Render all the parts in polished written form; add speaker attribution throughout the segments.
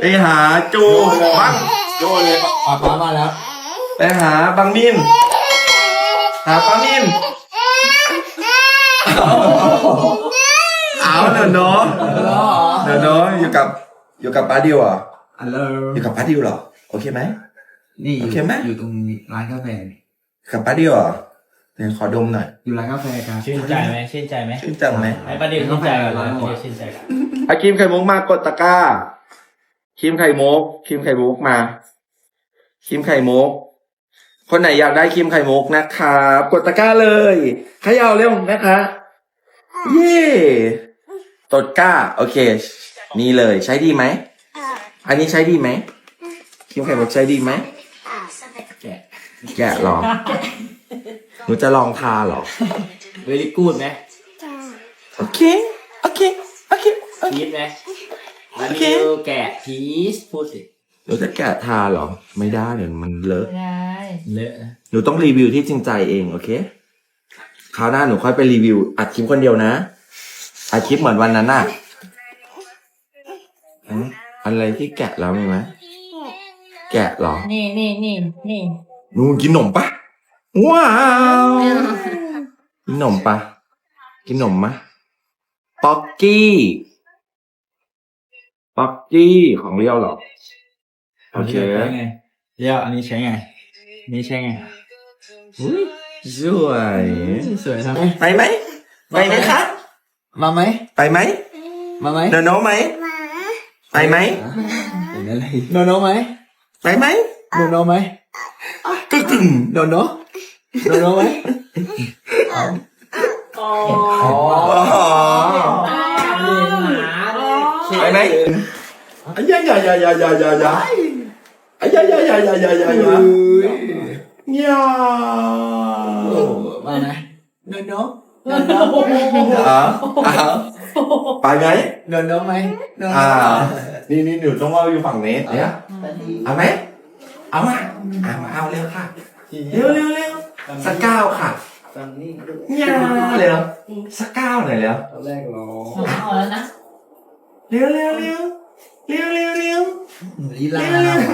Speaker 1: ไปหาจูบัง
Speaker 2: โยนเลยป้ามาแล้ว
Speaker 1: ไปหาบังมินหาป้ามินเอาเดี๋ยวน้องอยู่กับป้าดิวเหรอ
Speaker 2: ฮัลโหล
Speaker 1: อยู่กับป้าดิวเหรอโอเคไหม
Speaker 2: นี่
Speaker 1: โอเคไหม
Speaker 2: อยู่ตรงร้านกาแฟ
Speaker 1: กับป้าดิวเหรอเดี๋ยวขอดมหน่อย
Speaker 2: อยู่ร้านกาแฟกัน
Speaker 3: ชื่นใจไหมชื่นใจไหม
Speaker 1: ชื่นจังไหม
Speaker 3: ไอ้ประเดี๋ยวชื่นใจก่อนเลยประเดี๋ยวชื่นใจก่อน
Speaker 1: อาครีมไข่มุกมากดตะกร้าครีมไข่มุกครีมไข่มุกมาครีมไข่มุกคนไหนอยากได้ครีมไข่มุกนะครับกดตะกร้าเลยเขย่าเร็วนะคะเย่ตดกร้าโอเค นี่เลยใช้ดีไหมอันนี้ใช้ดีไหมครีมไข่มุกใช้ดีไหมแกะหรอหนูจะลองทาหรอ
Speaker 3: เวลี่กูดไหม
Speaker 1: โอเคโอเคโอเค
Speaker 3: พีชไหม
Speaker 1: โอเค
Speaker 3: แกะพีชพูดสิ
Speaker 1: หนูจะแกะทาหรอไม่ได้เดี๋ยวมันเลอะ
Speaker 4: ไม่ได้
Speaker 3: เลอะนะ
Speaker 1: หนูต้องรีวิวที่จริงใจเองโอเคคราวหน้าหนูค่อยไปรีวิวอัดคลิปคนเดียวนะอัดคลิปเหมือนวันนั้นน่ะอะไรที่แกะแล้วมีไหมแกะเหรอ
Speaker 4: นี่
Speaker 1: หนูกินขนมปะว้าวกินขนมปะกินขนมมะป๊อกกี้ของเลี้ยวเหรอโอเค
Speaker 3: ใช้ไงเรียวอันนี้ใช้ไงนี่ใช้ไง
Speaker 1: อุ๊ยสวย
Speaker 3: สวยทำไม
Speaker 1: ไปไหมไปไหมคะ
Speaker 3: มาไหม
Speaker 1: ไปไหม
Speaker 3: มาไหม
Speaker 1: เดินโน้ไหมไปไหม
Speaker 3: เป็นอะไรโนโนไหม
Speaker 1: ไปไหม
Speaker 3: โนโนไหม
Speaker 1: ตึ้งตึ้ง
Speaker 3: โนโนโนโนไหม
Speaker 1: อ๋อไปไหมอ้ยายายายายายายาอ้ยายายายายายายาเนี่ย
Speaker 3: มาไหมโนโน
Speaker 1: ไปไหม
Speaker 3: โนโนไหม
Speaker 1: นี่หนูต้องว่าอยู่ฝั่งนี้เนี่ยเอาไหมเอามาเอาเร็วค่ะเร็วสักก้าวค่ะ
Speaker 3: ฟังนี่
Speaker 1: เนี่ยเร็วสักก้าวหน่อยเร็ว
Speaker 3: ตอนแรกรอ
Speaker 4: เอาแล้วนะ
Speaker 1: เร็ว
Speaker 3: ลีลา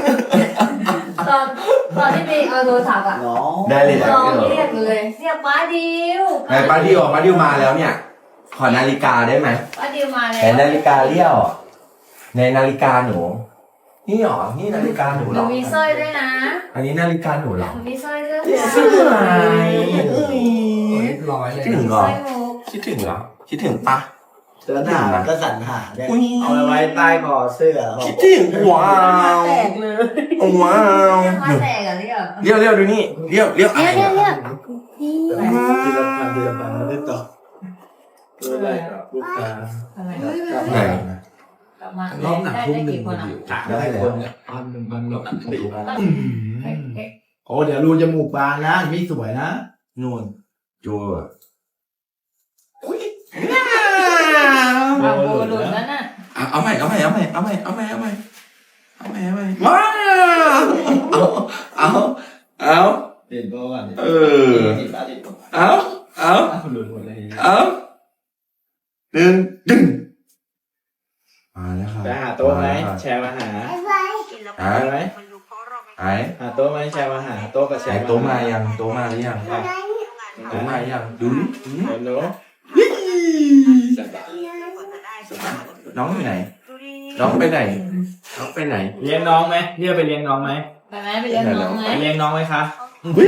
Speaker 4: ตอนที่ไปเอาโทรศัพท์อะ
Speaker 3: น้อง
Speaker 1: ได้เลย
Speaker 4: ลองเรียกเลยเรียกป้าดิว
Speaker 1: ไหนป้าดิวมาแล้วเนี่ย ขอนาฬิกาได้ไหม
Speaker 4: ป้าดิวมาแล้
Speaker 1: ไหน
Speaker 4: ว
Speaker 1: นาฬิกาเลี้ยวในนาฬิกาหนูนี่หรอนี่นาฬิกาหนู
Speaker 4: ห
Speaker 1: หร
Speaker 4: นู
Speaker 1: อ
Speaker 4: มีสร้อยด้วยนะ
Speaker 1: อันนี้นาฬิกาหนูหรอ
Speaker 4: หนูมีสร้อยด้วย
Speaker 1: สวย
Speaker 3: เรียบร้อยเลย
Speaker 1: คิดถึงเหร
Speaker 4: สร้
Speaker 1: อ
Speaker 4: อยมุก
Speaker 1: คิดถึงเหรอคิดถึงปะ
Speaker 3: เสื้อหนาก็สั่นหาเนี่ย
Speaker 1: อุ๊ย
Speaker 3: เอาไว้ใต้คอเสื้อ
Speaker 1: คิดถึงว้าว
Speaker 4: แตกเลย
Speaker 1: ว้าว
Speaker 4: เรียกมาแตกอะเรียก
Speaker 1: เลี้ยวดูนี่เลี้ยวอะไร
Speaker 4: เรียก
Speaker 1: อะ
Speaker 3: ทีละพันไม่ได้ต่ออะไรกับลูกค้า
Speaker 4: อะไร
Speaker 1: ไหน
Speaker 4: กลับมาได้กี่คนอะ
Speaker 1: ได้แล้ว
Speaker 3: พันหลบ
Speaker 4: เอ๊ะ
Speaker 3: โอ้เดี๋ยวรูจมูกบานนะไม่สวยนะ
Speaker 1: นู่นจัว
Speaker 4: เอาโบหลุดแล้วน่ะ
Speaker 1: เอาใหม่ว้าวเอา
Speaker 3: เด่นโบก่อน
Speaker 1: เออเอา
Speaker 3: หลุดหมดเลย
Speaker 1: ดึงมาแล้วครับ
Speaker 3: จะหาโต๊ะไหมแชร์มาหา
Speaker 1: หา
Speaker 3: ไหม
Speaker 1: หาย
Speaker 3: หาโต๊ะไหมแชร์มาหาโต๊ะกับแช
Speaker 1: หาย
Speaker 3: ร์
Speaker 1: โต๊ะมายังโต๊ะมาหรือยังโต๊ะมายังดูดิ
Speaker 3: โน้
Speaker 1: น้องอยู่ไหนน้องไปไหนน้องไปไหน
Speaker 3: เลี้ยงน้องไหมเรียกไปเลี้ยงน้องไหม
Speaker 4: ไปไหมไปเรียนน้องไหม
Speaker 3: ไปเลี้ยงน้องไหมคะ
Speaker 1: เฮ้ย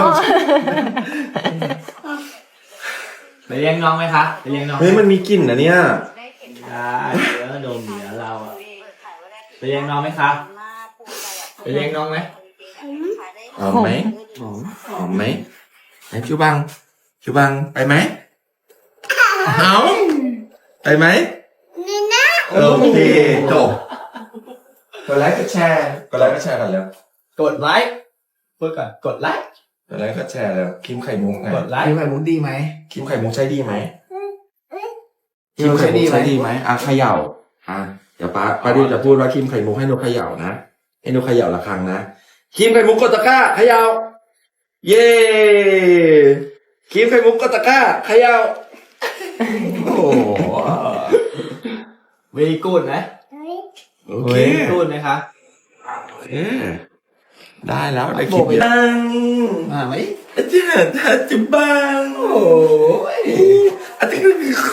Speaker 3: ไปเลี้ยงน้องไหมคะไปเลี้ยงน้อง
Speaker 1: เฮ้ยมันมีกลิ่นนะเนี่ย
Speaker 3: ได้เดี๋ยวโดนเหนือเราอะไปเลี้ยงน้องไหมคะ ไปเลี้ยงน้องไหม
Speaker 1: หอมไหมหอมไหมไหนชิวบังไปไหมเอาไปไหมโอเคจบกดไลค์กดแชร์กันแล้ว
Speaker 3: กดไลค์พูดก่อนกดไลค์
Speaker 1: กดไลค์กดแชร์แล้วครีมไข่มุกไง
Speaker 3: กดไลค์ไข่มุกดีไหม
Speaker 1: ครีมไข่มุกใช้ดีไหมครีมไข่มุกใช้ดีไหมเขย่าเดี๋ยวป้าดิวจะพูดว่าครีมไข่มุกให้หนูเขย่านะให้หนูเขย่าละครั้งนะครีมไข่มุกกดตะกร้าเขย่าเย้ครีมไข่มุกกดตะกร้าเขย่าโอ้โห
Speaker 3: วีกูดไหม
Speaker 1: โอเค
Speaker 3: พูดไหมคะ
Speaker 1: เออได้แล้วได้ค
Speaker 2: โบ
Speaker 1: ลิป
Speaker 2: กไป
Speaker 1: บัง
Speaker 2: มาไหม
Speaker 1: อาจารย์อาจารย์บังโอ้ยอาจารย์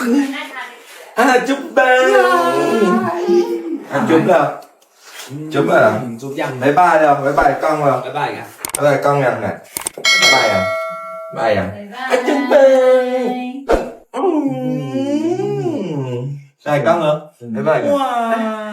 Speaker 1: บังจุ๊บแล้วจุ๊บแล้ว
Speaker 3: จุ๊บยัง
Speaker 1: บ๊ายบายแล้วบ๊ายบายกล้องแล้ว
Speaker 3: บ๊ายบายกัน
Speaker 1: บ๊ายบายกล้องยังเนี่ยบ๊ายบายยังบ๊ายบายยังอาจารย์บังใช่กล้องเหรอบ๊ายบายกัน
Speaker 3: ว้าย